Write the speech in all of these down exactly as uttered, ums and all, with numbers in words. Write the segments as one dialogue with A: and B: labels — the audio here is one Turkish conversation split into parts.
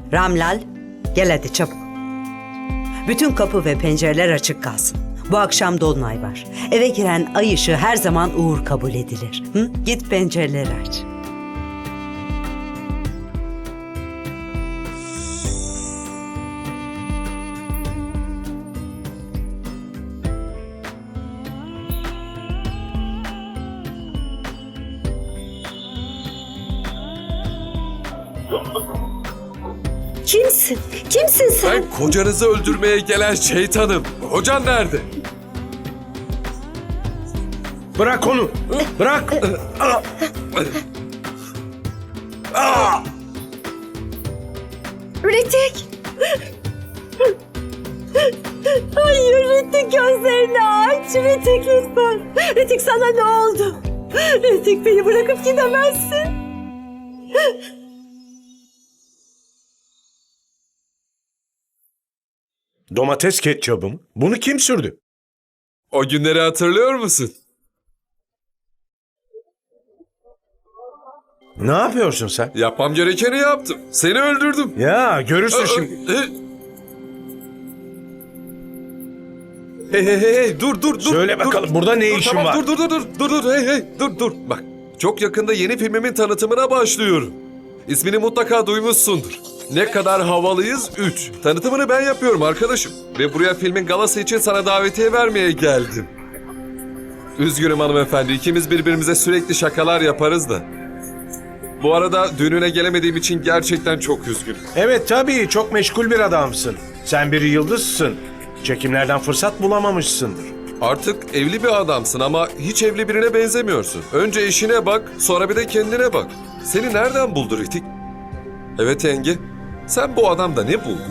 A: Ramlal, gel hadi çabuk. Bütün kapı ve pencereler açık kalsın. Bu akşam dolunay var. Eve giren ay ışığı her zaman uğur kabul edilir. Hı? Git pencereleri aç.
B: Kimsin? Kimsin sen?
C: Ben kocanızı öldürmeye gelen şeytanım. Kocan nerede?
D: Bırak onu. Bırak.
B: Ritik! Hayır Ritik, gözlerini aç. Ritik lütfen. Ritik, sana ne oldu? Ritik, beni bırakıp gidemezsin.
D: Domates ketçabım. Bunu kim sürdü?
C: O günleri hatırlıyor musun?
D: Ne yapıyorsun sen?
C: Yapmam gerekeni yaptım. Seni öldürdüm.
D: Ya görürsün şimdi.
C: Hey hey hey hey dur dur dur.
D: Söyle
C: dur.
D: bakalım, burada ne
C: Dur,
D: işin
C: tamam,
D: var?
C: Dur dur dur dur dur dur hey hey dur dur. Bak çok yakında yeni filmimin tanıtımına başlıyorum. İsmini mutlaka duymuşsundur. Ne kadar havalıyız üç. Tanıtımını ben yapıyorum arkadaşım. Ve buraya filmin galası için sana davetiye vermeye geldim. Üzgünüm hanımefendi, ikimiz birbirimize sürekli şakalar yaparız da. Bu arada düğününe gelemediğim için gerçekten çok üzgünüm.
D: Evet tabii, çok meşgul bir adamsın. Sen bir yıldızsın. Çekimlerden fırsat bulamamışsındır.
C: Artık evli bir adamsın ama hiç evli birine benzemiyorsun. Önce işine bak, sonra bir de kendine bak. Seni nereden buldu Ritik? Evet yenge, sen bu adamda ne buldun?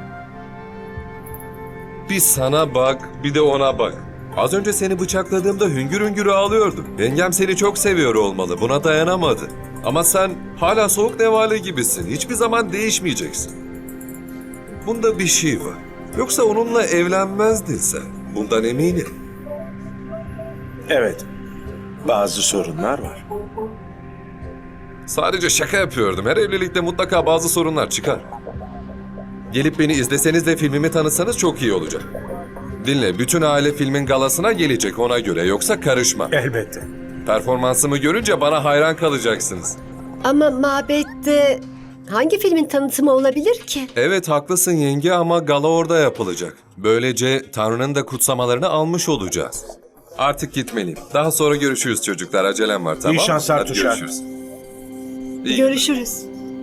C: Bir sana bak, bir de ona bak. Az önce seni bıçakladığımda hüngür hüngür ağlıyordun. Yengem seni çok seviyor olmalı, buna dayanamadı. Ama sen hala soğuk nevale gibisin, hiçbir zaman değişmeyeceksin. Bunda bir şey var. Yoksa onunla evlenmezdin sen, bundan eminim.
D: Evet, bazı sorunlar var.
C: Sadece şaka yapıyordum. Her evlilikte mutlaka bazı sorunlar çıkar. Gelip beni izleseniz de filmimi tanıtsanız çok iyi olacak. Dinle, bütün aile filmin galasına gelecek ona göre, yoksa karışma.
D: Elbette.
C: Performansımı görünce bana hayran kalacaksınız.
B: Ama mabette hangi filmin tanıtımı olabilir ki?
C: Evet haklısın yenge ama gala orada yapılacak. Böylece Tanrı'nın da kutsamalarını almış olacağız. Artık gitmeliyim. Daha sonra görüşürüz çocuklar. Acelem var, tamam mı?
D: İyi şanslar
C: Hadi
D: Tuşar.
C: görüşürüz. İyi.
B: Görüşürüz.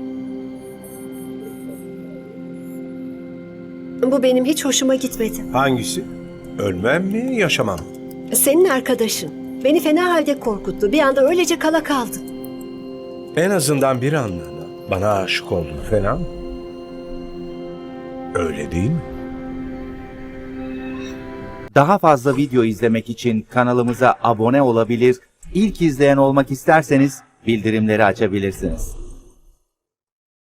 B: Bu benim hiç hoşuma gitmedi.
D: Hangisi? Ölmem mi, yaşamam mı?
B: Senin arkadaşın beni fena halde korkuttu. Bir anda öylece kala kaldım.
D: En azından bir anlığına bana aşık oldun, fena mı? Öyle değil mi?
E: Daha fazla video izlemek için kanalımıza abone olabilir, ilk izleyen olmak isterseniz bildirimleri açabilirsiniz.